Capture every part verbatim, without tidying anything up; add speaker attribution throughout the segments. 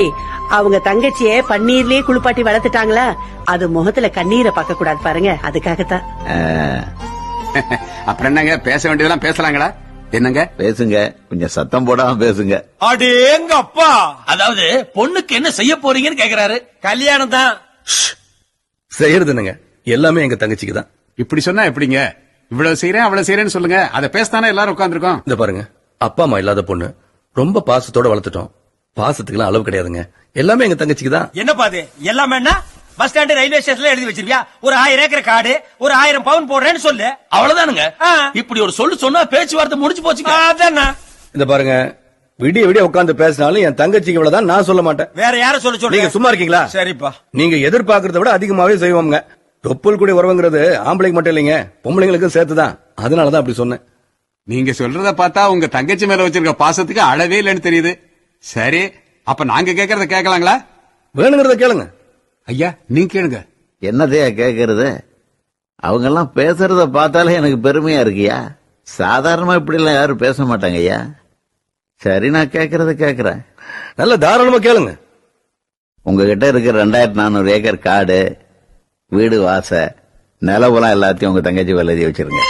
Speaker 1: அவங்க தங்கச்சிய பன்னீர்லயே குளிப்பாட்டி வளர்த்துட்டாங்களா, அது முகத்துல கண்ணீரை பார்க்க கூடாது பாருங்க, அதுக்காகத்தான்.
Speaker 2: அப்புறம் என்னங்க, பேச வேண்டியதெல்லாம் பேசலாங்களா? என்னங்க
Speaker 3: பேசுங்க, கொஞ்சம் சத்தம் போடாம பேசுங்க.
Speaker 4: அடேங்க அப்பா,
Speaker 5: அதாவது பொண்ணுக்கு என்ன செய்ய போறீங்கன்னு கேக்குறாரு.
Speaker 4: கல்யாணம் தான்
Speaker 6: செய்யறது என்னங்க, எல்லாமே எங்க தங்கச்சிக்கு தான்.
Speaker 2: இப்படி சொன்னா எப்படிங்க? இவ்வளவு செய்யறேன் அவ்வளவு செய்யறேன்னு சொல்லுங்க, அதை பேசத்தானே எல்லாரும் உட்காந்துருக்கோம்.
Speaker 6: இந்த பாருங்க, அப்பா அம்மா இல்லாத பொண்ணு, ரொம்ப பாசத்தோட வளர்த்துட்டோம். பாசத்துக்குலாம் அளவு கிடையாதுங்க, எல்லாமே எங்க தங்கச்சிக்கு தான்.
Speaker 4: என்ன பாது எல்லாமே என்ன? பஸ் ஸ்டாண்ட் ரயில்வே ஸ்டேஷன்ல எழுதி வச்சிருவியா? ஒரு ஆயிரம் ஏக்கர் காடு, ஒரு ஆயிரம் பவுன் போடுறேன்னு சொல்லு,
Speaker 5: அவ்வளவுதானுங்க.
Speaker 4: ஆ.
Speaker 5: இப்படி ஒரு சொல்லு சொன்னா பேச்சுவார்த்தை முடிஞ்சு போச்சுங்க.
Speaker 4: அதானே.
Speaker 6: இந்த பாருங்க, விடிய விடிய உட்கார்ந்து பேசினாலும் என் தங்கச்சிக்கு இவ்வளவுதான் நான் சொல்ல மாட்டேன்.
Speaker 4: வேற யார சொல்ல
Speaker 6: நீங்க
Speaker 4: சொல்றீங்க?
Speaker 6: சும்மா இருக்கீங்களா?
Speaker 4: சரிப்பா.
Speaker 6: நீங்க எதிர்பார்க்கறத விட அதிகமாவே செய்வோம்ங்க. தொப்புள் கூடி உறவுங்கிறது ஆம்பளைக்கு மட்டும் இல்லைங்க, பொம்பளைங்களுக்கும் சேர்த்துதான். அதனாலதான் அப்படி சொன்னேன்.
Speaker 2: நீங்க சொல்றத பார்த்தா உங்க தங்கச்சி மேல வச்சிருக்க பாசத்துக்கு அளவே இல்லைன்னு தெரியுது. சரி, அப்ப நாங்க கேக்குறத கேட்கலாங்களா?
Speaker 6: வேணுங்கிறத கேளுங்க.
Speaker 2: ஐயா நீங்க கேளுங்க.
Speaker 3: என்னதையா கேக்குறது? அவங்க எல்லாம் பேசுறத பார்த்தாலே எனக்கு பெருமையா இருக்கியா? சாதாரணமா இப்படி எல்லாம் யாரும் பேச மாட்டாங்க ஐயா. சரி, நான் கேக்குறத கேக்குறேன்.
Speaker 6: நல்ல தாராளமா கேளுங்க.
Speaker 3: உங்ககிட்ட இருக்கிற ரெண்டாயிரத்தி நானூறு ஏக்கர் காடு, வீடு, வாச, நிலவுலாம் எல்லாத்தையும் உங்க தங்கச்சி மேல எழுதி வச்சிருங்க.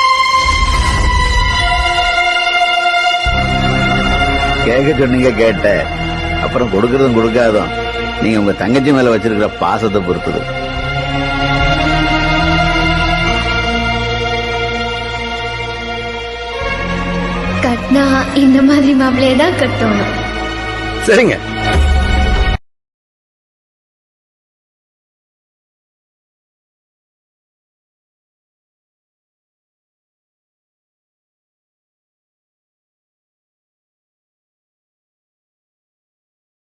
Speaker 3: கேட்க சொன்னீங்க, கேட்ட. அப்புறம் கொடுக்கறதும் கொடுக்காதும் நீங்க உங்க தங்கச்சி மேல வச்சிருக்கிற பாசத்தை பொறுத்தது.
Speaker 7: கட்னா இந்த மாதிரி மாப்பிள்ளையே தான் கட்டணும்.
Speaker 6: சரிங்க.